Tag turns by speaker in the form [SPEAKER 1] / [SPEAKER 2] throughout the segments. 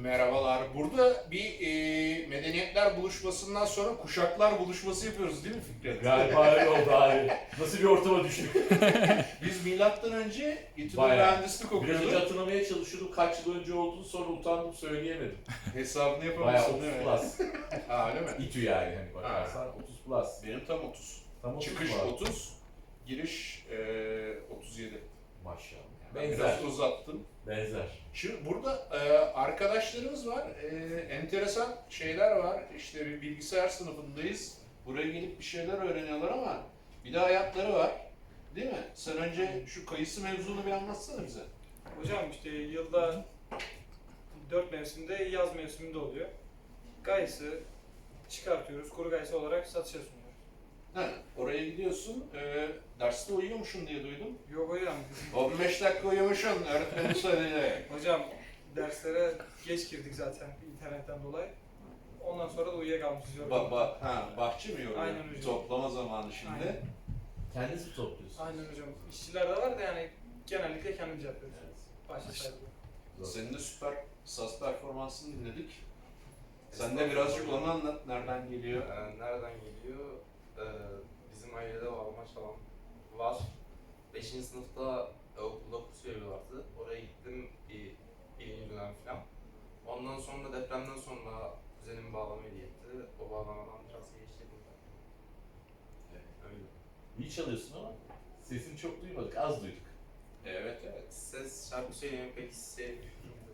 [SPEAKER 1] Merhabalar. Burada bir medeniyetler buluşmasından sonra kuşaklar buluşması yapıyoruz değil mi Fikret?
[SPEAKER 2] Galiba öyle oldu abi. Nasıl bir ortama düştük?
[SPEAKER 1] Biz milattan önce İTÜ'de
[SPEAKER 2] Bayağı.
[SPEAKER 1] mühendislik
[SPEAKER 2] Biraz önce
[SPEAKER 1] okuyorduk.
[SPEAKER 2] hatırlamaya çalışıyordum. Kaç yıl önce olduğunu sonra utandım söyleyemedim.
[SPEAKER 1] Hesabını
[SPEAKER 2] Bayağı
[SPEAKER 1] yapamazsın
[SPEAKER 2] 30
[SPEAKER 1] değil mi?
[SPEAKER 2] plus.
[SPEAKER 1] Ha öyle mi?
[SPEAKER 2] İTÜ yani hani bakarsan 30 plus.
[SPEAKER 1] Benim tam 30.
[SPEAKER 2] Tam 30
[SPEAKER 1] Çıkış
[SPEAKER 2] var.
[SPEAKER 1] 30, giriş 37.
[SPEAKER 2] Maşallah.
[SPEAKER 1] Ben
[SPEAKER 2] Benzer.
[SPEAKER 1] biraz uzattım.
[SPEAKER 2] Benzer.
[SPEAKER 1] Şimdi burada arkadaşlarımız var, enteresan şeyler var. İşte bir bilgisayar sınıfındayız. Buraya gelip bir şeyler öğreniyorlar ama bir de hayatları var. Değil mi? Sen önce şu kayısı mevzunu bir anlatsana bize.
[SPEAKER 3] Hocam işte yılda 4 mevsimde yaz mevsiminde oluyor. Gayısı çıkartıyoruz, kuru gayısı olarak satışa sunuyoruz.
[SPEAKER 1] Ha, oraya gidiyorsun, derste uyuyormuşsun diye duydum.
[SPEAKER 3] Yok hocam,
[SPEAKER 1] 15 dakika uyumuşsun, öğretmenin söyledi.
[SPEAKER 3] hocam derslere geç girdik zaten internetten dolayı. Ondan sonra da uyuyakalmışız.
[SPEAKER 1] Bahçe mi yoruyor?
[SPEAKER 3] Aynen hocam.
[SPEAKER 1] Toplama zamanı şimdi.
[SPEAKER 3] Aynen.
[SPEAKER 2] Kendiniz mi topluyorsunuz?
[SPEAKER 3] Aynen hocam. İşçiler de var da yani genellikle kendimiz yapıyoruz. Başta saygı.
[SPEAKER 1] Senin de süper saz performansını dinledik. Sen de birazcık onu anlat, nereden geliyor?
[SPEAKER 4] Nereden geliyor? Bizim ailede bağlama çalan var. 5. sınıfta okulda kurs veriyorlardı. Oraya gittim birinci dönem falan. Ondan sonra depremden sonra kuzenim bağlama hediye etti. O bağlamadan biraz geliştirdim ben. Öyle.
[SPEAKER 2] İyi çalıyorsun ama sesini çok duymadık, az duyduk.
[SPEAKER 1] Evet.
[SPEAKER 4] Ses şarkı söylemeyi pek sevmiyorum.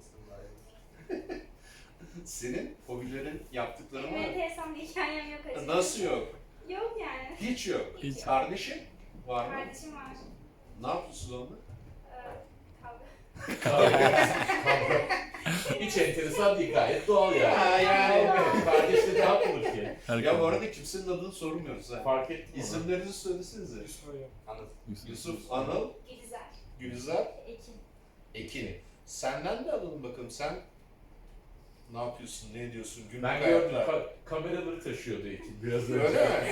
[SPEAKER 1] Senin hobilerin, yaptıkların var
[SPEAKER 5] Benim
[SPEAKER 1] mı?
[SPEAKER 5] enteresan bir hikayem yok açıkçası.
[SPEAKER 1] Nasıl yok?
[SPEAKER 5] Yok yani.
[SPEAKER 1] Hiç yok.
[SPEAKER 5] Hiç.
[SPEAKER 1] Kardeşin var mı?
[SPEAKER 5] Kardeşim var.
[SPEAKER 1] Ne yapıyorsun onunla?
[SPEAKER 5] Kavga.
[SPEAKER 2] Hiç enteresan değil, gayet doğal yani.
[SPEAKER 1] Ha, yani.
[SPEAKER 2] Kardeşle ne yapılır ki?
[SPEAKER 1] Ya bu arada kimsenin adını sormuyoruz ha.
[SPEAKER 2] Fark ettim onu.
[SPEAKER 1] İsimlerinizi söylesenize.
[SPEAKER 3] Yusuf hocam.
[SPEAKER 4] Anladım.
[SPEAKER 1] Yusuf, Anıl,
[SPEAKER 5] Gülizar.
[SPEAKER 1] Gülizar,
[SPEAKER 5] Ekin.
[SPEAKER 1] Ekin. Senden de alalım bakalım. Sen ne yapıyorsun, ne ediyorsun? Günlük
[SPEAKER 2] Ben gördüm,
[SPEAKER 1] hayatlar.
[SPEAKER 2] kameraları taşıyordu Ekin biraz önce.
[SPEAKER 1] Öyle mi?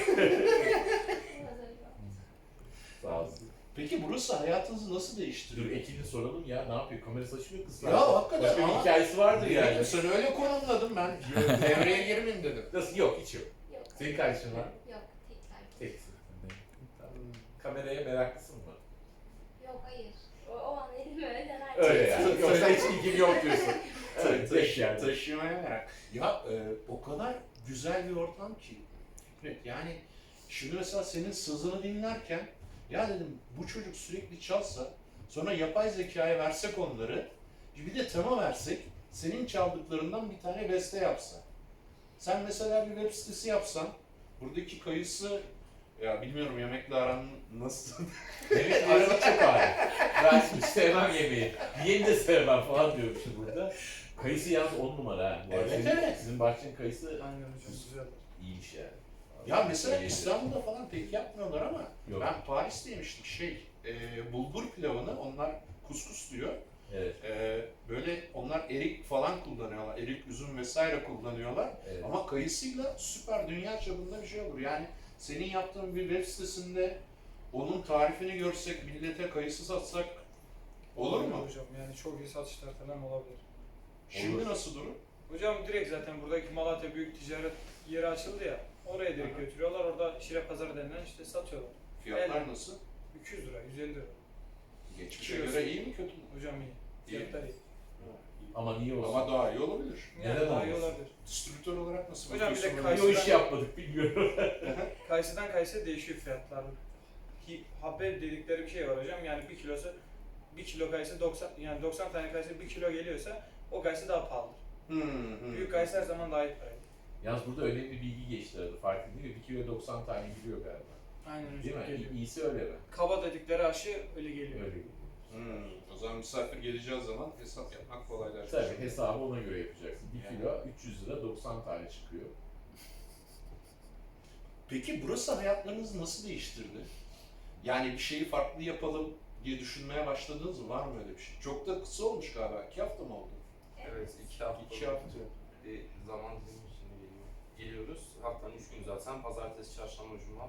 [SPEAKER 2] Sağ olsun.
[SPEAKER 1] Peki burası hayatınızı nasıl
[SPEAKER 2] Dur
[SPEAKER 1] değiştiriyor?
[SPEAKER 2] Ekin'i soralım ya, ne yapıyor? Kamerası açılıyor kızlar.
[SPEAKER 1] Ya hakikaten
[SPEAKER 2] Başka bir
[SPEAKER 1] ama-
[SPEAKER 2] hikayesi vardır yani.
[SPEAKER 1] Sen öyle konumladın, ben devreye girmeyeyim dedim.
[SPEAKER 2] Nasıl? Yok, hiç yok.
[SPEAKER 5] Yok.
[SPEAKER 2] Senin kardeşin var?
[SPEAKER 5] Yok. Tekrar.
[SPEAKER 2] Teksin. Tamam. Kameraya meraklısın mı?
[SPEAKER 5] Yok hayır. O an elim öyle dener.
[SPEAKER 2] Öyle yani. Yoksa hiç ilgin yok diyorsun. Evet,
[SPEAKER 1] Taş-
[SPEAKER 2] yani.
[SPEAKER 1] Taşımaya merak. Ya o kadar güzel bir ortam ki Fikret. Yani şimdi mesela senin sızını dinlerken ya dedim bu çocuk sürekli çalsa sonra yapay zekaya versek onları bir de tema versek senin çaldıklarından bir tane beste yapsa. Sen mesela bir web sitesi yapsan buradaki kayısı ya bilmiyorum yemekle aran nasıl?
[SPEAKER 2] Evet, arada çok ağır. Ben hiç sevmem yemeği. Yeni de sevmem falan diyormuşum burada. Kayısı yalnız 10 numara ha. Bu arada
[SPEAKER 1] Evet,
[SPEAKER 2] senin,
[SPEAKER 1] evet.
[SPEAKER 2] Sizin bahçenin kayısı
[SPEAKER 3] Aynen hocam. Güzel.
[SPEAKER 2] iyiymiş yani.
[SPEAKER 1] Ya mesela
[SPEAKER 2] İyi.
[SPEAKER 1] İstanbul'da falan pek yapmıyorlar ama
[SPEAKER 2] Yok.
[SPEAKER 1] ben Paris'te yemiştim bulgur pilavını onlar kuskus diyor.
[SPEAKER 2] Evet,
[SPEAKER 1] Böyle onlar erik falan kullanıyorlar, erik, üzüm vesaire kullanıyorlar.
[SPEAKER 2] evet.
[SPEAKER 1] Ama kayısıyla süper dünya çapında bir şey olur. Yani senin yaptığın bir web sitesinde onun tarifini görsek, millete kayısı satsak olur mu?
[SPEAKER 3] Hocam yani çok iyi satışlar falan olabilir.
[SPEAKER 1] Şimdi
[SPEAKER 2] Olur.
[SPEAKER 1] nasıl durum?
[SPEAKER 3] Hocam direkt zaten buradaki Malatya Büyük Ticaret yeri açıldı ya. Oraya direkt
[SPEAKER 1] Aha.
[SPEAKER 3] götürüyorlar. Orada Şire Pazarı denilen işte satıyorlar.
[SPEAKER 1] Fiyatlar
[SPEAKER 3] Evet.
[SPEAKER 1] nasıl?
[SPEAKER 3] 200 lira, 150 lira.
[SPEAKER 1] Geçmişe
[SPEAKER 3] Kilosu.
[SPEAKER 1] göre iyi mi kötü mü?
[SPEAKER 3] Hocam iyi.
[SPEAKER 1] İyi.
[SPEAKER 3] Fiyatlar iyi.
[SPEAKER 2] Ama niye olsun?
[SPEAKER 1] Ama daha iyi olabilir.
[SPEAKER 3] Yani
[SPEAKER 2] Neden
[SPEAKER 3] daha iyi
[SPEAKER 2] olmasın?
[SPEAKER 3] olabilir.
[SPEAKER 1] Distribütör olarak nasıl
[SPEAKER 3] Hocam bir de
[SPEAKER 1] bakıyorsun?
[SPEAKER 2] Niye o işi yapmadık bilmiyorum.
[SPEAKER 3] Kayısıdan kayısıya değişiyor fiyatlar. Habbe dedikleri bir şey var hocam. Yani bir kilo kayısı 90 yani 90 tane kayısı 1 kilo geliyorsa o kayısı daha pahalıdır. Büyük kayısı her zaman daha iyi parayı.
[SPEAKER 2] Yalnız burada önemli bir bilgi geçti arada. Fark değil mi? 1 kilo 90 tane gidiyor galiba.
[SPEAKER 3] Aynen
[SPEAKER 2] Değil
[SPEAKER 3] hocam
[SPEAKER 2] mi?
[SPEAKER 3] geliyor.
[SPEAKER 2] İyisi öyle mi?
[SPEAKER 3] Kaba dedikleri aşı öyle geliyor.
[SPEAKER 2] Öyle geliyor.
[SPEAKER 1] O zaman misafir geleceği zaman hesap yapmak kolaylaşır.
[SPEAKER 2] Tabii hesabı ona göre yapacaksın. 1
[SPEAKER 1] Yani.
[SPEAKER 2] kilo 300 lira 90 tane çıkıyor.
[SPEAKER 1] Peki burası hayatlarınızı nasıl değiştirdi? Yani bir şeyi farklı yapalım diye düşünmeye başladınız mı? Var mı öyle bir şey? Çok da kısa olmuş galiba. 2 hafta mı oldu?
[SPEAKER 4] Evet, 2 hafta.
[SPEAKER 1] 2 hafta.
[SPEAKER 4] Bir zaman dilimi içinde geliyoruz. Haftanın 3 günü zaten. Pazartesi, çarşamba, cuma.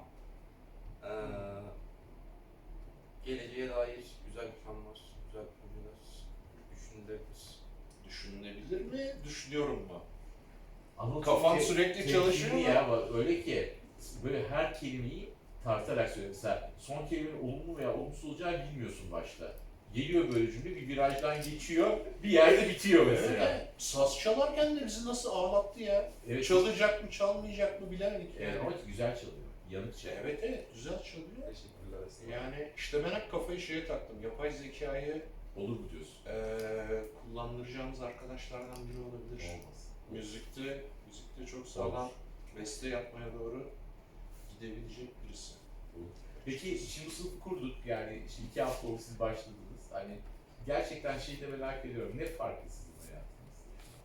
[SPEAKER 4] Geleceğe dair güzel planlar, güzel projeler düşünülebilir.
[SPEAKER 1] Düşünülebilir mi? Düşünüyorum mu?
[SPEAKER 2] Ama
[SPEAKER 1] Kafan
[SPEAKER 2] çok
[SPEAKER 1] sürekli
[SPEAKER 2] temkinli
[SPEAKER 1] çalışıyor mu?
[SPEAKER 2] ya, bak öyle ki böyle her kelimeyi tartarak söylüyor. Mesela son kelimenin olumlu veya olumsuz olacağı bilmiyorsun başta. Geliyor böyle cümle, bir virajdan geçiyor, bir yerde bitiyor mesela.
[SPEAKER 1] Öyle. Saz çalarken de bizi nasıl ağlattı ya.
[SPEAKER 2] Evet,
[SPEAKER 1] Çalacak mı çalmayacak mı bilemedik yani.
[SPEAKER 2] evet, ama güzel çalıyor. Yanık çalıyor.
[SPEAKER 1] Evet güzel çalıyor.
[SPEAKER 4] Teşekkürler aslında.
[SPEAKER 1] Yani işte ben hep kafayı şeye taktım. Yapay zekayı
[SPEAKER 2] Olur mu diyorsun?
[SPEAKER 1] kullandıracağımız arkadaşlardan biri olabilir.
[SPEAKER 2] Olmaz.
[SPEAKER 1] Müzikte çok sağlam beste yapmaya doğru gidebilecek birisi.
[SPEAKER 2] Peki şimdi bu sınıfı kurduk, yani işte 2 hafta oldu siz başladınız. Hani gerçekten şeyi de merak ediyorum. Ne farklı sizin hayatınız?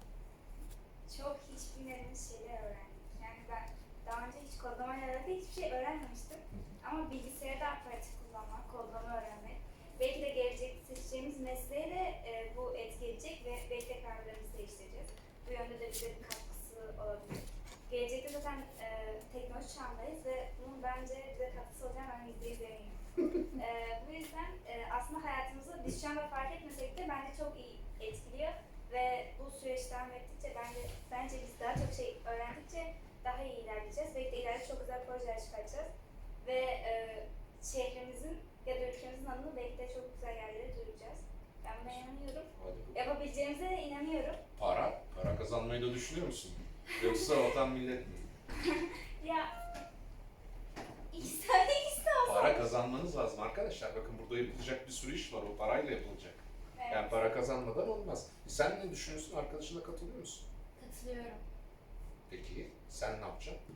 [SPEAKER 5] Çok hiç bilmediğimiz şeyler öğrendik. Yani ben daha önce hiç kodlamayla alakalı hiçbir şey öğrenmemiştim. Ama bilgisayarda pratik kullanmak, kodlama öğrenmek, belki de gelecekte seçeceğimiz mesleğe de bu etki edecek ve belki de kararlarımızı değiştireceğiz. Bu yönde de bize bir katkısı olabilir. Gelecekte zaten teknoloji çağındayız ve bunun bence bize katkısı olacağını ben %100 eminim. Bu yüzden aslında hayatımızı biz şu anda fark etmesek de bence çok iyi etkiliyor ve bu süreç devam ettikçe bence biz daha çok şey öğrendikçe daha iyi ilerleyeceğiz. Belki de ileride çok güzel projeler çıkartacağız ve şehrimizin ya da ülkemizin adını belki de çok güzel yerlere duyuracağız. Ben buna inanıyorum. Yapabileceğimize de inanıyorum.
[SPEAKER 1] Para kazanmayı da düşünüyor musun? Yoksa vatan millet mi?
[SPEAKER 5] Ya ikisi de olsun.
[SPEAKER 1] Para kazanmanız lazım arkadaşlar. Bakın burada yapılacak bir sürü iş var. O parayla yapılacak.
[SPEAKER 5] Evet,
[SPEAKER 1] Yani para kazanmadan olmaz. Sen ne düşünüyorsun? Arkadaşına katılıyor musun?
[SPEAKER 5] katılıyorum.
[SPEAKER 1] Peki sen ne yapacaksın?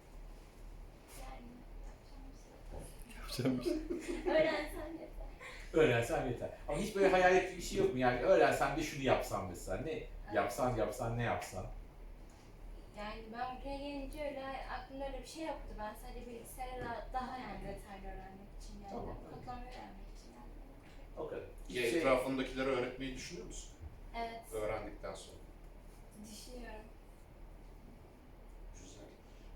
[SPEAKER 5] Yani yapacağım bir şey. Öğrensem yeter.
[SPEAKER 2] Öğrensen yeter. Ama hiç böyle hayal ettiğin bir şey yok mu? Yani öğrensem de şunu yapsam mesela. Ne yapsan ne yapsan?
[SPEAKER 5] Yani ben buraya gelince öyle aklımda öyle bir şey yoktu. Ben sadece bilgisayarı daha yani detaylı öğrenmek için geldim.
[SPEAKER 2] Tamam.
[SPEAKER 5] Kodlamayı öğrenmek için geldim.
[SPEAKER 2] O kadar.
[SPEAKER 1] Ya etrafındakilere öğretmeyi düşünüyor musun?
[SPEAKER 5] Evet,
[SPEAKER 1] Öğrendikten sonra.
[SPEAKER 5] düşünüyorum.
[SPEAKER 1] Güzel.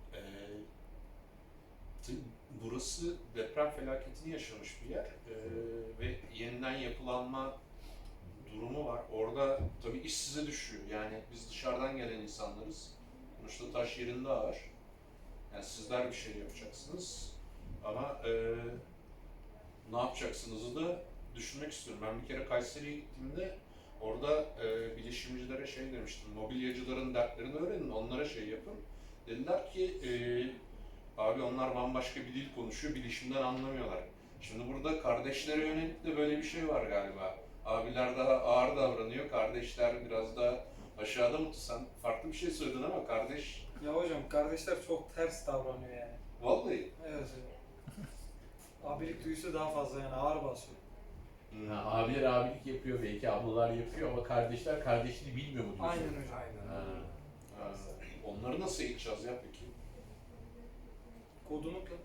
[SPEAKER 1] Tabii burası deprem felaketini yaşamış bir yer ve yeniden yapılanma durumu var. Orada tabii iş size düşüyor. Yani biz dışarıdan gelen insanlarız. Sonuçta taş yerinde ağır. Yani sizler bir şey yapacaksınız. Ama ne yapacaksınızı da düşünmek istiyorum. Ben bir kere Kayseri'ye gittiğimde orada bilişimcilere şey demiştim. Mobilyacıların dertlerini öğrenin, onlara şey yapın. Dediler ki abi onlar bambaşka bir dil konuşuyor, bilişimden anlamıyorlar. Şimdi burada kardeşlere yönelik de böyle bir şey var galiba. Abiler daha ağır davranıyor, kardeşler biraz daha aşağıda mı? Sen farklı bir şey söyledin ama kardeş...
[SPEAKER 3] Ya hocam kardeşler çok ters davranıyor yani.
[SPEAKER 1] Vallahi.
[SPEAKER 3] Evet hocam. Abilik duygusu daha fazla yani ağır basıyor.
[SPEAKER 2] Ha, abiler abilik yapıyor, belki ablalar yapıyor ama kardeşler kardeşini bilmiyor mu diyorsun?
[SPEAKER 3] Aynen hocam.
[SPEAKER 4] Aynen.
[SPEAKER 2] Ha.
[SPEAKER 1] Ha, onları nasıl eğiteceğiz ya peki?
[SPEAKER 3] Kodunu da.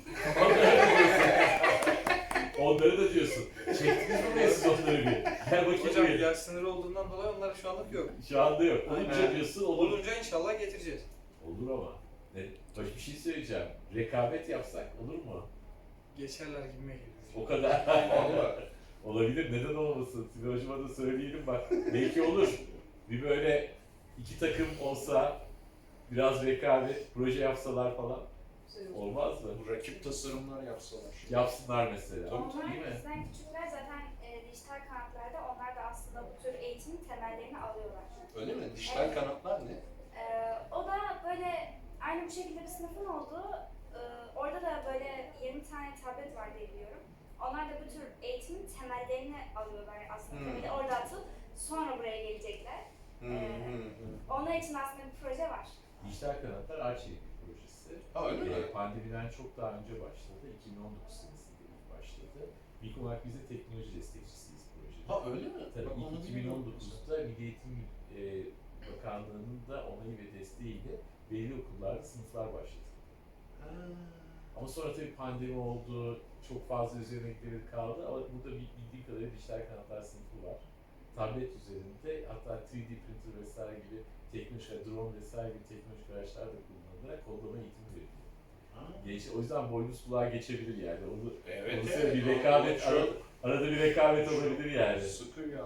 [SPEAKER 2] Onları da diyorsun. Çektiniz mi siz onları bir? Gel bakayım
[SPEAKER 3] Hocam
[SPEAKER 2] bir.
[SPEAKER 3] yaş sınırı olduğundan dolayı onlara şu anlık yok.
[SPEAKER 2] Şu anda yok. Olunca
[SPEAKER 3] Aynen.
[SPEAKER 2] diyorsun olur.
[SPEAKER 3] Olunca inşallah getireceğiz.
[SPEAKER 2] Olur ama. Ne? Baş bir şey söyleyeceğim. Rekabet yapsak olur mu?
[SPEAKER 3] Geçerler gibime geliyor.
[SPEAKER 2] O kadar.
[SPEAKER 1] Vallahi.
[SPEAKER 2] Olabilir. Neden olmasın? Sibel Hocama da söyleyelim bak. Belki olur. Bir böyle 2 takım olsa, biraz rekabet, proje yapsalar falan. Olmaz mı?
[SPEAKER 1] Bu rakip tasarımlar yapsalar.
[SPEAKER 2] Yapsınlar mesela.
[SPEAKER 1] Tabii,
[SPEAKER 5] Onlar
[SPEAKER 2] değil mi?
[SPEAKER 5] bizden küçükler zaten dijital kanatlarda onlar da aslında bu tür eğitimin temellerini alıyorlar.
[SPEAKER 1] Öyle mi? Dijital kanatlar ne?
[SPEAKER 5] O da böyle aynı bu şekilde bir sınıfın olduğu, orada da böyle 20 tane tablet var diye biliyorum. Onlar da bu tür eğitimin temellerini alıyorlar aslında.
[SPEAKER 1] Hmm.
[SPEAKER 5] Temeli orada atıp sonra buraya gelecekler. Onlar için aslında bir proje var.
[SPEAKER 2] Dijital Kanatlar Arçelik projesi.
[SPEAKER 1] Ha öyle mi?
[SPEAKER 2] Pandemiden çok daha önce başladı. 2019 senesinde ilk başladı. İlk olarak biz de teknoloji destekçisiyiz projede.
[SPEAKER 1] Ha öyle mi?
[SPEAKER 2] Tabii
[SPEAKER 1] Bak onu
[SPEAKER 2] ilk
[SPEAKER 1] bilmiyordum.
[SPEAKER 2] 2019'da Milli Eğitim Bakanlığı'nın da onayı ve desteğiyle belli okullarda sınıflar başladı.
[SPEAKER 1] Ha.
[SPEAKER 2] Ama sonra tabii pandemi oldu, çok fazla üzerine ekleri kaldı ama burada bildiğim kadarıyla dijital kanatlar sınıfı var. Tablet üzerinde hatta 3D printer vesaire gibi teknoloji, drone vesaire gibi teknolojik araçlar da kullanılarak kodlama eğitimi veriliyor.
[SPEAKER 1] Ha.
[SPEAKER 2] O yüzden boynuz kulağa geçebilir yani. Onu
[SPEAKER 1] Evet,
[SPEAKER 2] onu
[SPEAKER 1] evet.
[SPEAKER 2] bir rekabet,
[SPEAKER 1] Çok
[SPEAKER 2] arada bir rekabet olabilir yani.
[SPEAKER 1] sıkıyor ya.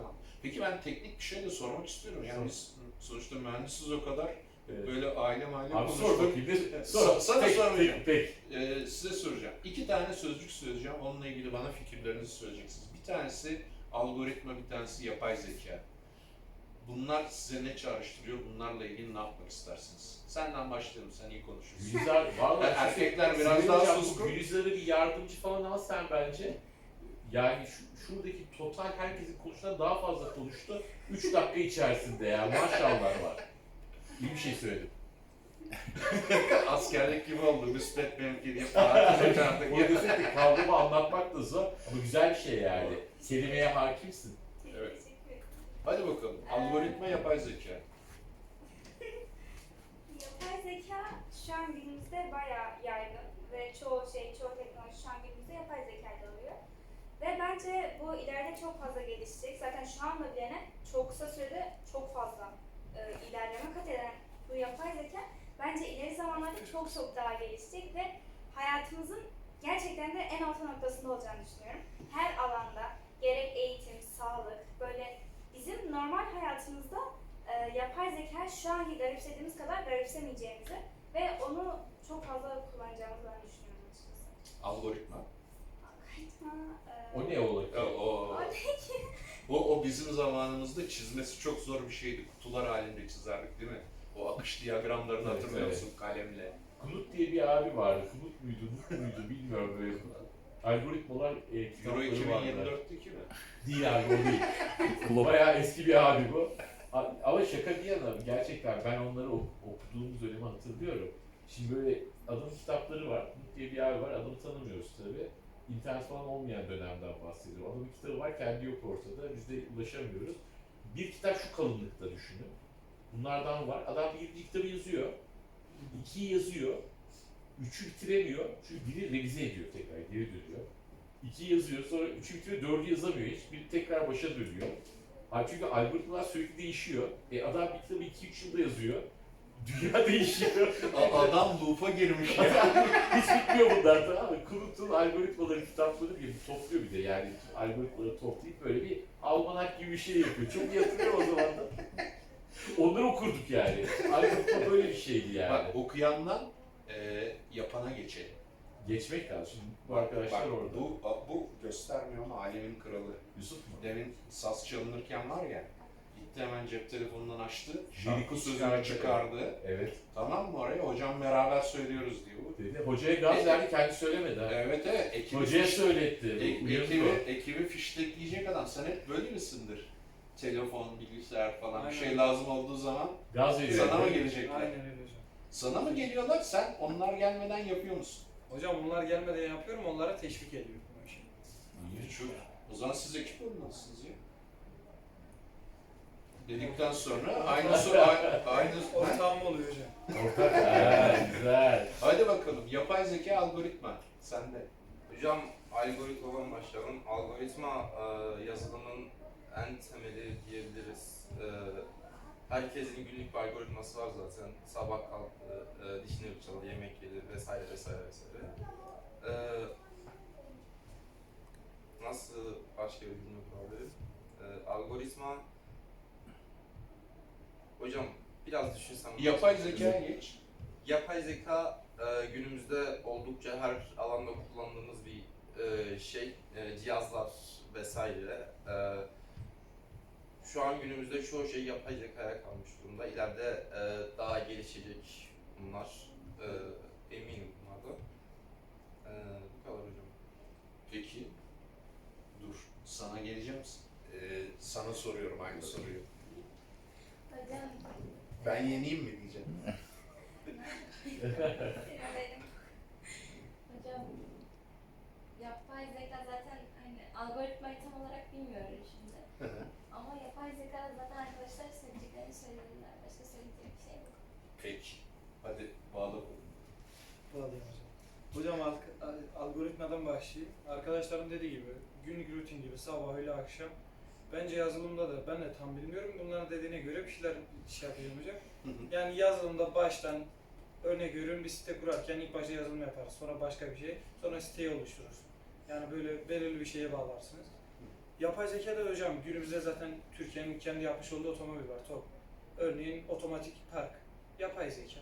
[SPEAKER 1] Peki ben teknik bir şey de sormak istiyorum. Yani biz sonuçta mühendisiz o kadar
[SPEAKER 2] Evet.
[SPEAKER 1] böyle aile mahalle
[SPEAKER 2] Abi sor
[SPEAKER 1] konuştuk.
[SPEAKER 2] bakayım. Sor.
[SPEAKER 1] Sana
[SPEAKER 2] Peki,
[SPEAKER 1] sormayacağım.
[SPEAKER 2] peki.
[SPEAKER 1] Size soracağım. 2 tane sözcük söyleyeceğim. Onunla ilgili bana fikirlerinizi söyleyeceksiniz. Bir tanesi algoritma, bir tanesi yapay zeka. Bunlar size ne çağrıştırıyor? Bunlarla ilgili ne yapmak istersiniz? Senden başlayalım. Sen iyi konuşuyorsun.
[SPEAKER 2] Gülizar, vallahi
[SPEAKER 1] Erkekler biraz
[SPEAKER 2] Sinir
[SPEAKER 1] daha
[SPEAKER 2] hocam,
[SPEAKER 1] suskun.
[SPEAKER 2] Gülizar'ı bir yardımcı falan al sen bence. Yani şuradaki total herkesin konuştuğundan daha fazla konuştu. 3 dakika içerisinde ya maşallah var. İyi bir şey söyledim.
[SPEAKER 1] Askerlik gibi oldu. Müspet benimki diye
[SPEAKER 2] O
[SPEAKER 1] falan.
[SPEAKER 2] desek kavramı anlatmak da zor ama güzel bir şey yani. Kelimeye hakimsin.
[SPEAKER 1] Evet.
[SPEAKER 5] Teşekkür ederim.
[SPEAKER 1] Hadi bakalım. Algoritma, yapay zeka.
[SPEAKER 5] Yapay zeka şu an günümüzde bayağı yaygın ve çoğu teknoloji şu an günümüzde yapay zeka ile oluyor. Ve bence bu ileride çok fazla gelişecek. Zaten şu anda bilene çok kısa sürede çok fazla ilerleme kat eden bu yapay zeka bence ileri zamanlarda çok daha gelişecek ve hayatımızın gerçekten de en orta noktasında olacağını düşünüyorum. Her alanda gerek eğitim, sağlık, böyle bizim normal hayatımızda yapay zeka şu anki garipsediğimiz kadar garipsemeyeceğimizi ve onu çok fazla kullanacağımızı ben düşünüyorum açıkçası.
[SPEAKER 1] Algoritma.
[SPEAKER 5] Algoritma,
[SPEAKER 2] O ne olur ki?
[SPEAKER 5] o ne ki?
[SPEAKER 1] O bizim zamanımızda çizmesi çok zor bir şeydi. Kutular halinde çizerdik değil mi? O akış diyagramlarını
[SPEAKER 2] Evet,
[SPEAKER 1] hatırlıyor
[SPEAKER 2] evet.
[SPEAKER 1] musun kalemle?
[SPEAKER 2] Kulut diye bir abi vardı. Kulut muydu, Mut muydu bilmiyorum böyle. Algoritmalar
[SPEAKER 1] Euro
[SPEAKER 2] kitapları vardı.
[SPEAKER 1] 2024'teki mi?
[SPEAKER 2] Değil abi o değil. Bayağı eski bir abi bu. Ama şaka bir yana gerçekten ben onları okuduğumuz dönemi hatırlıyorum. Şimdi böyle adamın kitapları var. Mut diye bir abi var. Adamı tanımıyoruz tabii. İnternet falan olmayan dönemden bahsediyorum. Adamın kitabı var, kendi yok ortada. Biz de ulaşamıyoruz. Bir kitap şu kalınlıkta düşünün. Bunlardan var. Adam birinci kitabı yazıyor. 2'yi yazıyor. 3'ü bitiremiyor. Çünkü biri revize ediyor tekrar, geri dönüyor. 2'yi yazıyor, sonra 3'ü bitiriyor, 4'ü yazamıyor hiç. Biri tekrar başa dönüyor. Çünkü algoritmalar sürekli değişiyor. Adam bir kitabı 2-3 yılda yazıyor. Dünya değişiyor.
[SPEAKER 1] Adam loop'a girmiş ya.
[SPEAKER 2] Hiç bitmiyor bunlar, tamam mı? Kurutun algoritmaları, kitapları gibi topluyor bir de yani. Algoritmaları toplayıp böyle bir almanak gibi bir şey yapıyor. Çok iyi hatırlıyorum o zaman da. Onları okurduk yani. Algoritma böyle bir şeydi yani.
[SPEAKER 1] Bak okuyandan yapana geçelim.
[SPEAKER 2] Geçmek lazım. Şimdi bu arkadaşlar
[SPEAKER 1] Bak,
[SPEAKER 2] orada.
[SPEAKER 1] bu göstermiyor ama alemin kralı.
[SPEAKER 2] Yusuf mu?
[SPEAKER 1] Demin saz çalınırken var ya, gitti hemen cep telefonundan açtı,
[SPEAKER 2] Lirik'i
[SPEAKER 1] şarkı sözünü
[SPEAKER 2] çıkardı.
[SPEAKER 1] çıkardı.
[SPEAKER 2] Evet.
[SPEAKER 1] Tamam mı oraya? Hocam beraber söylüyoruz diyor.
[SPEAKER 2] Dedi. Hocaya gaz verdi, kendi söylemedi ha.
[SPEAKER 1] Evet. Ekibi
[SPEAKER 2] Hocaya söyletti.
[SPEAKER 1] ekibi fiştekleyecek adam. Sen hep böyle misindir? Telefon, bilgisayar falan bir şey
[SPEAKER 3] Aynen.
[SPEAKER 1] lazım olduğu zaman
[SPEAKER 2] Gaz veriyor.
[SPEAKER 1] sana mı gelecekler?
[SPEAKER 3] Aynen öyle hocam.
[SPEAKER 1] Sana mı geliyorlar? Sen onlar gelmeden yapıyor musun?
[SPEAKER 3] Hocam bunlar gelmeden yapıyorum, onlara teşvik ediyorum bu işi.
[SPEAKER 1] Çok. O zaman siz ekip olmalısınız ya. Dedikten sonra aynı
[SPEAKER 3] Ortağım oluyor hocam.
[SPEAKER 2] Ortak. Ha, güzel.
[SPEAKER 1] Hadi bakalım. Yapay zeka, algoritma. Sende.
[SPEAKER 4] Hocam algoritmadan başlayalım. Algoritma yazılımın en temeli diyebiliriz. Herkesin günlük bir algoritması var zaten. Sabah kalktı, dişini fırçaladı, yemek yedi vesaire vesaire vesaire. Nasıl başka bir cümle kurabilirim? Algoritma... Hocam biraz düşünsem...
[SPEAKER 1] Yapay zekaya geç.
[SPEAKER 4] Yapay zeka günümüzde oldukça her alanda kullandığımız bir cihazlar vesaire. Şu an günümüzde çoğu şey yapay zekaya kalmış durumda. İleride daha gelişecek bunlar. Eminim bunlardan. Bu kadar hocam.
[SPEAKER 1] Peki. Dur. Sana geleceğim. Sana soruyorum aynı soruyu.
[SPEAKER 5] Hocam,
[SPEAKER 1] Ben yeneyim mi diyeceğim.
[SPEAKER 5] benim. Hocam, yapay zeka zaten hani algoritmayı tam olarak bilmiyorum şimdi. Ama yapay zeka zaten arkadaşlar söyleyeceklerini söylediler. Başka söyleyecek bir şey yok.
[SPEAKER 1] Peki. Hadi bağla.
[SPEAKER 3] Bağlayayım hocam. Hocam algoritmadan başlayayım. Arkadaşlarım dediği gibi günlük rutin gibi sabah öğle akşam. Bence yazılımda da ben de tam bilmiyorum. Bunların dediğine göre bir şeyler yapacağım hocam. Yani yazılımda baştan örnek veriyorum bir site kurarken ilk başta yazılım yaparız. Sonra başka bir şey. Sonra siteyi oluştururuz. Yani böyle belirli bir şeye bağlarsınız. Yapay zekada hocam günümüzde zaten Türkiye'nin kendi yapmış olduğu otomobil var, TOG. Örneğin otomatik park. Yapay zeka.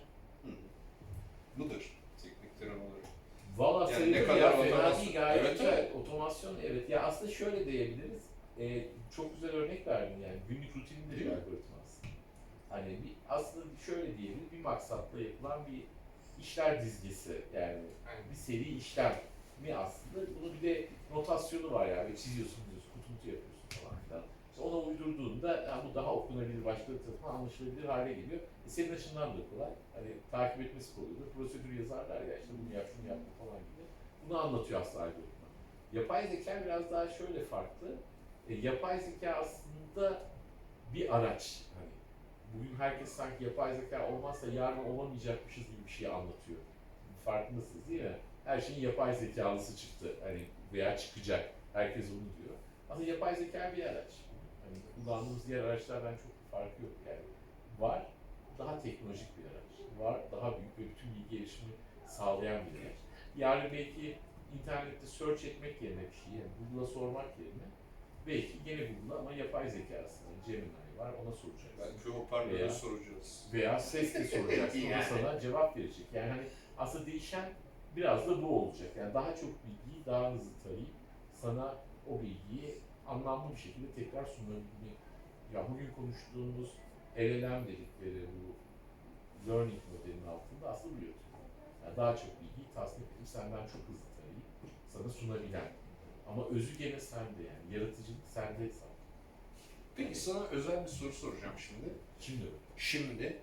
[SPEAKER 1] Budur. Teknik terim olarak.
[SPEAKER 2] Valla
[SPEAKER 1] Yani ne
[SPEAKER 2] sayılır
[SPEAKER 1] kadar
[SPEAKER 2] ya, fena
[SPEAKER 1] otomasyon.
[SPEAKER 2] değil, gayet
[SPEAKER 1] Evet,
[SPEAKER 2] güzel.
[SPEAKER 1] evet.
[SPEAKER 2] Otomasyon, evet. Ya aslında şöyle diyebiliriz. Çok güzel örnek verdin yani. Günlük rutininde
[SPEAKER 1] Değil
[SPEAKER 2] bir
[SPEAKER 1] mi?
[SPEAKER 2] algoritma aslında. Hani aslında şöyle diyelim, bir maksatla yapılan bir işler dizgesi yani
[SPEAKER 4] Aynen.
[SPEAKER 2] bir seri işlem mi aslında. Bunun bir de notasyonu var yani, çiziyorsun, kutu yapıyorsun falan filan. İşte ona uydurduğunda yani bu daha okunabilir, başkaları tarafından anlaşılabilir hale geliyor. Senin açından da kolay. Hani takip etmesi kolaydır. Prosedür yazarlar ya, işte bunu yap, şunu yapma falan gibi. Bunu anlatıyor aslında algoritma. Yapay zeka biraz daha şöyle farklı. Yapay zeka aslında bir araç. Hani bugün herkes sanki yapay zeka olmazsa yarın olamayacakmışız gibi bir şey anlatıyor. Farkındasınız değil mi? Her şeyin yapay zekalısı çıktı. Hani veya çıkacak. Herkes onu diyor. Aslında yapay zeka bir araç. Hani kullandığımız diğer araçlardan çok bir farkı yok yani. Var, daha teknolojik bir araç. Var, daha büyük ve bütün bilgi erişimi sağlayan bir araç. Yarın belki internette search etmek yerine bir şeyi, yani Google'a sormak yerine belki gene Google'a ama yapay zekasına, Gemini var, ona soracaksın.
[SPEAKER 1] Belki hoparlöre
[SPEAKER 2] Veya-
[SPEAKER 1] soracağız.
[SPEAKER 2] Veya sesle soracaksın, o da
[SPEAKER 1] Yani.
[SPEAKER 2] sana cevap verecek. Yani hani aslında değişen biraz da bu olacak. Yani daha çok bilgiyi daha hızlı tarayıp sana o bilgiyi anlamlı bir şekilde tekrar sunabilmek. Ya bugün konuştuğumuz LLM dedikleri bu learning modelinin altında aslında bu yatıyor. Yani daha çok bilgiyi tasnif edip senden çok hızlı tarayıp sana sunabilen. Ama özü gene sende yani. Yaratıcılık sende zaten.
[SPEAKER 1] Peki sana özel bir soru soracağım şimdi.
[SPEAKER 2] Şimdi
[SPEAKER 1] Şimdi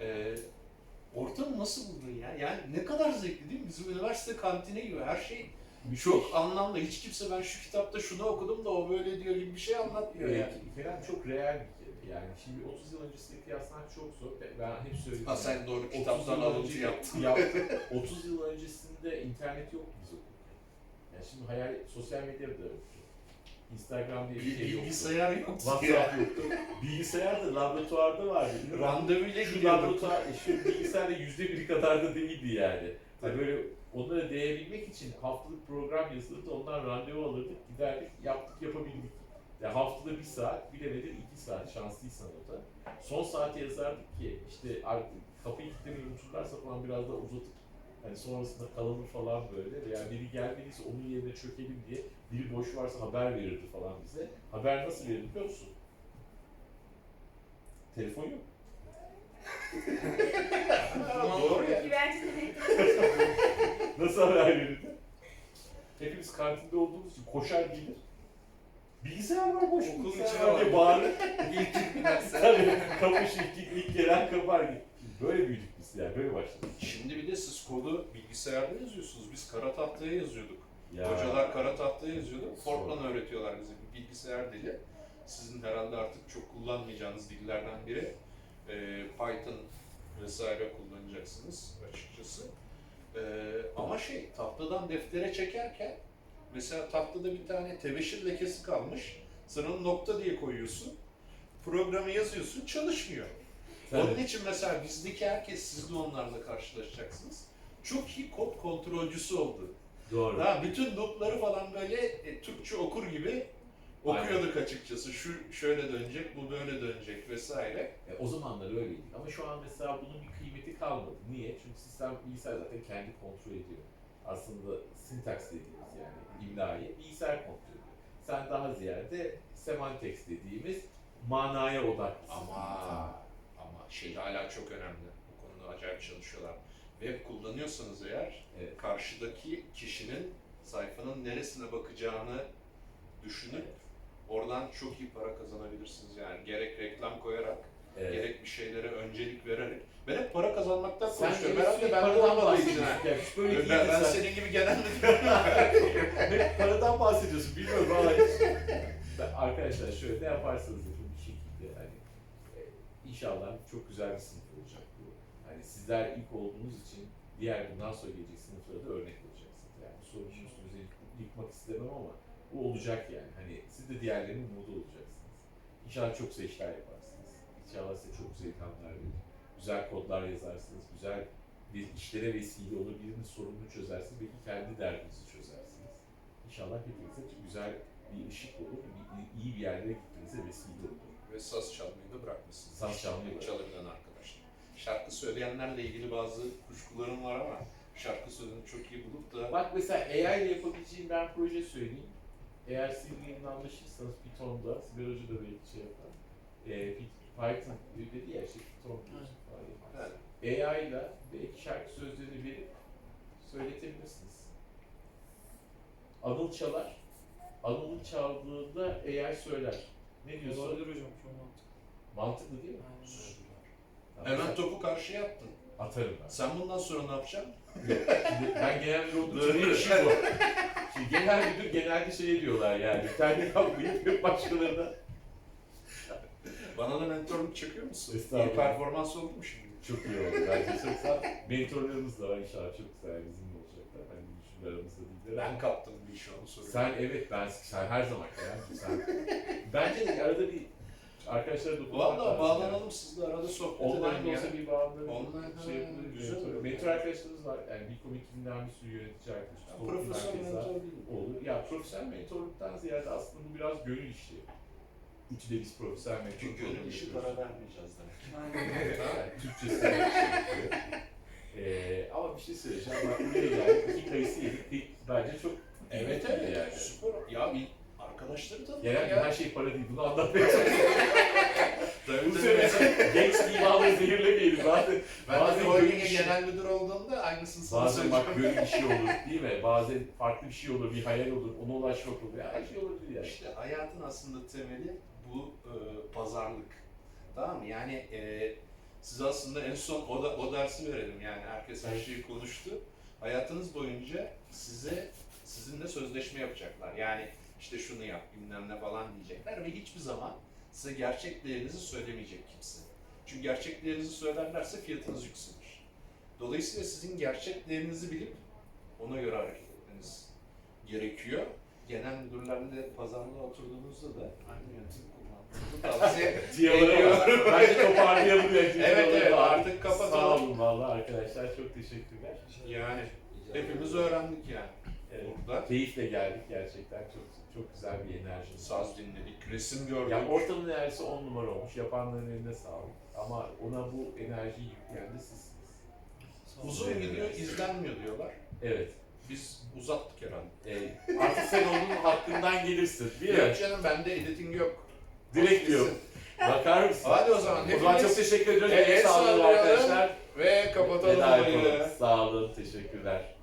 [SPEAKER 1] ortamı nasıl buldun ya? Yani ne kadar zevkli değil mi? Bizim üniversite kantini gibi her şey çok anlamlı. Hiç kimse ben şu kitapta şunu okudum da o böyle diyor gibi bir şey anlatmıyor yani.
[SPEAKER 2] Kerem çok real bir kere. Yani şimdi 30 yıl öncesiyle kıyaslamak çok zor. Ben hep söyledim.
[SPEAKER 1] Ha sen doğru
[SPEAKER 2] 30
[SPEAKER 1] kitaptan
[SPEAKER 2] yıl
[SPEAKER 1] alıntı
[SPEAKER 2] önce
[SPEAKER 1] yaptın.
[SPEAKER 2] 30 yıl öncesinde internet yoktu biz okurken. Yani şimdi hayal, sosyal medya da yoktu. Instagram diye bir şey yoktu.
[SPEAKER 1] Bilgisayar yok.
[SPEAKER 2] WhatsApp yoktu. Bilgisayar da laboratuvarda vardı.
[SPEAKER 1] Randevuyla
[SPEAKER 2] Şu
[SPEAKER 1] gidiyorduk.
[SPEAKER 2] laboratuvar, şu bilgisayar da %1 kadar da değildi yani. Hani böyle onlara değebilmek için haftalık program yazılırdı, ondan randevu alırdık, giderdik, yaptık, yapabildik. Yani haftada 1 saat, bilemedin 2 saat, şanslıysan o da. Son saate yazardık ki işte artık kapıyı kilitlemeyi unuturlarsa falan biraz daha uzatıp hani sonrasında kalalım falan böyle veya biri gelmediyse onun yerine çökelim diye biri boş varsa haber verirdi falan bize. Haber nasıl verirdi biliyor musun? Telefon yok.
[SPEAKER 1] Doğru ya.
[SPEAKER 5] Güvercin
[SPEAKER 2] Nasıl haber verirdi? Hepimiz kantinde olduğumuz için koşar gelir. Bilgisayar var, boş
[SPEAKER 3] Okulun
[SPEAKER 2] bilgisayar
[SPEAKER 3] içine
[SPEAKER 2] var diye
[SPEAKER 3] var.
[SPEAKER 2] bağırır.
[SPEAKER 4] İlk derse.
[SPEAKER 2] Tabii kapış ilk gelen kapar gibi. Böyle büyüdük biz yani, böyle başladık.
[SPEAKER 1] Şimdi bir de siz kodu bilgisayarda yazıyorsunuz. Biz kara tahtaya yazıyorduk.
[SPEAKER 2] Ya.
[SPEAKER 1] Hocalar kara tahtaya yazıyordu. Fortran öğretiyorlar bize bir bilgisayar dili. Sizin herhalde artık çok kullanmayacağınız dillerden biri. Python vesaire kullanacaksınız açıkçası. Ama tahtadan deftere çekerken mesela tahtada bir tane tebeşir lekesi kalmış. Sen onu nokta diye koyuyorsun. Programı yazıyorsun, çalışmıyor.
[SPEAKER 2] Tabii.
[SPEAKER 1] Onun için mesela bizdeki herkes, siz de onlarla karşılaşacaksınız. Çok iyi kod kontrolcüsü oldu.
[SPEAKER 2] Doğru.
[SPEAKER 1] Ha, bütün notları falan böyle Türkçe okur gibi okuyorduk açıkçası. Şu şöyle dönecek, bu böyle dönecek vesaire.
[SPEAKER 2] O zamanlar öyleydi. Ama şu an mesela bunun bir kıymeti kalmadı. Niye? Çünkü sistem bilgisayar zaten kendi kontrol ediyor. Aslında syntax dediğimiz yani imlayı bilgisayar kontrol ediyor. Sen daha ziyade semantics dediğimiz manaya odaklısın.
[SPEAKER 1] Ama hala çok önemli. Bu konuda acayip çalışıyorlar. Web kullanıyorsanız eğer,
[SPEAKER 2] Evet.
[SPEAKER 1] karşıdaki kişinin sayfanın neresine bakacağını düşünüp oradan çok iyi para kazanabilirsiniz yani. Gerek reklam koyarak,
[SPEAKER 2] Evet.
[SPEAKER 1] gerek bir şeylere öncelik vererek. Ben hep para kazanmaktan
[SPEAKER 2] Sen
[SPEAKER 1] konuşuyorum.
[SPEAKER 2] gene
[SPEAKER 1] Herhalde
[SPEAKER 2] sürekli
[SPEAKER 1] ben de
[SPEAKER 2] paradan
[SPEAKER 1] olmadığı için.
[SPEAKER 2] bahsediyorsun. Yani hiç böyle değildi
[SPEAKER 1] Ben
[SPEAKER 2] sen.
[SPEAKER 1] senin gibi genelde
[SPEAKER 2] Hep paradan bahsediyorsun. Bilmiyorum ama hiç. Arkadaşlar şöyle ne yaparsanız yapın bir şekilde hani inşallah çok güzel bir sınıf olacak bu. Hani sizler ilk olduğunuz için diğer bundan sonra gelecek sınıflara da örnek olacaksınız. Yani bu sorunun üstünüze yıkmak istemem ama bu olacak yani. Hani siz de diğerlerinin umudu olacaksınız. İnşallah çok güzel işler yaparsınız. İnşallah size çok güzel ilhamlar verir. Güzel kodlar yazarsınız. Güzel bir işlere vesile olur. Birinin sorununu çözersiniz. Belki kendi derdinizi çözersiniz. İnşallah hepinize güzel bir ışık olur, iyi bir yerlere gitmenize vesile olur.
[SPEAKER 1] Ve saz çalmayı da bırakmışsın.
[SPEAKER 2] Saz çalmayı bırak.
[SPEAKER 1] Çalabilen arkadaşlar. Şarkı söyleyenlerle ilgili bazı kuşkularım var ama şarkı sözünü çok iyi bulup da
[SPEAKER 2] Bak mesela AI ile yapabileceğim ben proje söyleyeyim. Eğer sizinle anlaşırsanız Python'da, Sibel Hoca da belki şey yapar. Python dedi ya işte Python diyorsun falan yapar.
[SPEAKER 1] evet.
[SPEAKER 2] AI ile belki şarkı sözlerini verip söyletebilirsiniz. Anıl çalar. Anıl'ın çaldığında AI söyler. Ne diyorsun?
[SPEAKER 3] Olabilir hocam, çok mantıklı.
[SPEAKER 2] Mantıklı değil mi?
[SPEAKER 3] Aynen.
[SPEAKER 2] Tamam,
[SPEAKER 1] Hemen
[SPEAKER 2] sen-
[SPEAKER 1] topu karşıya attın.
[SPEAKER 2] atarım ben.
[SPEAKER 1] Sen bundan sonra ne yapacaksın?
[SPEAKER 2] Şimdi ben genel müdür olduğum için benim işim bu. Şimdi genel müdür genelde şey diyorlar yani. Kendi yapmayıp başkalarına.
[SPEAKER 1] Bana da mentorluk çekiyor musun?
[SPEAKER 2] Estağfurullah.
[SPEAKER 1] İyi performans oldu mu şimdi?
[SPEAKER 2] Çok iyi oldu bence çok sağ ol. Mentorlarımız da var inşallah çok güzel bizimle olacaklar. Hani düşünce aramızda değiller.
[SPEAKER 1] Ben kaptım bir işi onu soruyorum.
[SPEAKER 2] Sen evet sen her zaman yani sen. Bence de arada bir arkadaşlara dokunmak
[SPEAKER 1] Valla
[SPEAKER 2] lazım
[SPEAKER 1] bağlanalım sizle arada sohbet
[SPEAKER 2] Yani. Online
[SPEAKER 1] edelim
[SPEAKER 2] de
[SPEAKER 1] ya.
[SPEAKER 2] olsa bir bağlanalım.
[SPEAKER 1] Online,
[SPEAKER 2] şey
[SPEAKER 1] ha,
[SPEAKER 2] yapılır.
[SPEAKER 1] güzel olur.
[SPEAKER 2] Mentor arkadaşlarımız var. Yani bir ekibinden bir sürü yönetici arkadaşımız.
[SPEAKER 1] Ya,
[SPEAKER 2] Toplum
[SPEAKER 1] profesyonel
[SPEAKER 2] herkes var.
[SPEAKER 1] mentor değil.
[SPEAKER 2] Olur. Ya profesyonel mentorluktan ziyade aslında bu biraz gönül işi. Üçü de biz profesyonel mentor
[SPEAKER 1] Çünkü
[SPEAKER 2] programı
[SPEAKER 1] gönül işi
[SPEAKER 2] yapıyoruz.
[SPEAKER 1] para vermeyeceğiz demek.
[SPEAKER 2] Yani Türkçesi de bir şey yapıyor. Ama bir şey söyleyeceğim. Bak buraya geldik. 2 kayısı yedik. Bence çok
[SPEAKER 1] Evet
[SPEAKER 2] kıymetli
[SPEAKER 1] evet
[SPEAKER 2] yani.
[SPEAKER 1] süper. Ya bir arkadaşları tanıdık
[SPEAKER 2] Genelde
[SPEAKER 1] ya.
[SPEAKER 2] her şey para değil. Bunu anlatmaya çalışıyorum.
[SPEAKER 1] Tabii,
[SPEAKER 2] Bu
[SPEAKER 1] tabii.
[SPEAKER 2] sene genç imanı zehirlemeyelim. Bazen
[SPEAKER 1] Ben de
[SPEAKER 2] bazen
[SPEAKER 1] bir
[SPEAKER 2] gönül
[SPEAKER 1] holding'e
[SPEAKER 2] işi.
[SPEAKER 1] genel müdür olduğumda aynısını sana
[SPEAKER 2] Bazen bak
[SPEAKER 1] söyleyeceğim.
[SPEAKER 2] böyle bir şey olur değil mi? Bazen farklı bir şey olur, bir hayal olur, ona ulaşmak olur. Her şey olabilir yani.
[SPEAKER 1] İşte hayatın aslında temeli bu pazarlık. Tamam mı? Yani siz aslında en son o dersi verelim yani herkes her şeyi konuştu. Hayatınız boyunca sizinle sözleşme yapacaklar. Yani işte şunu yap bilmem ne falan diyecekler ve hiçbir zaman size gerçek değerinizi söylemeyecek kimse. Çünkü gerçek değerinizi söylerlerse fiyatınız yükselir. Dolayısıyla sizin gerçek değerinizi bilip ona göre hareket etmeniz gerekiyor. Genel müdürlerle pazarlığa oturduğunuzda da aynı yöntemi kullanmanızı tavsiye
[SPEAKER 2] Tiyalara bak. Bence toparlayalım ya.
[SPEAKER 1] Evet, evet, artık kapatalım.
[SPEAKER 2] Sağ olun valla arkadaşlar. Çok teşekkürler.
[SPEAKER 1] Yani hepimiz öğrendik yani.
[SPEAKER 2] Evet.
[SPEAKER 1] Burada
[SPEAKER 2] Keyifle geldik gerçekten. Çok güzel bir enerji.
[SPEAKER 1] saz dinledik, resim gördük.
[SPEAKER 2] Ya ortamın enerjisi 10 numara olmuş. Yapanların eline sağlık. Ama ona bu enerjiyi yükleyen de sizsiniz.
[SPEAKER 1] Uzun video izlenmiyor diyorlar.
[SPEAKER 2] Evet.
[SPEAKER 1] Biz uzattık herhalde.
[SPEAKER 2] Artık sen onun hakkından gelirsin. Değil mi?
[SPEAKER 1] Yok canım bende editing yok.
[SPEAKER 2] Direkt diyor. Bakar mısın?
[SPEAKER 1] Hadi o zaman
[SPEAKER 2] O zaman çok
[SPEAKER 1] hepiniz
[SPEAKER 2] teşekkür ediyoruz.
[SPEAKER 1] el
[SPEAKER 2] Sağ olun
[SPEAKER 1] sallayalım
[SPEAKER 2] arkadaşlar.
[SPEAKER 1] ve kapatalım
[SPEAKER 2] Veda
[SPEAKER 1] olayı.
[SPEAKER 2] yapalım. Sağ olun. Teşekkürler.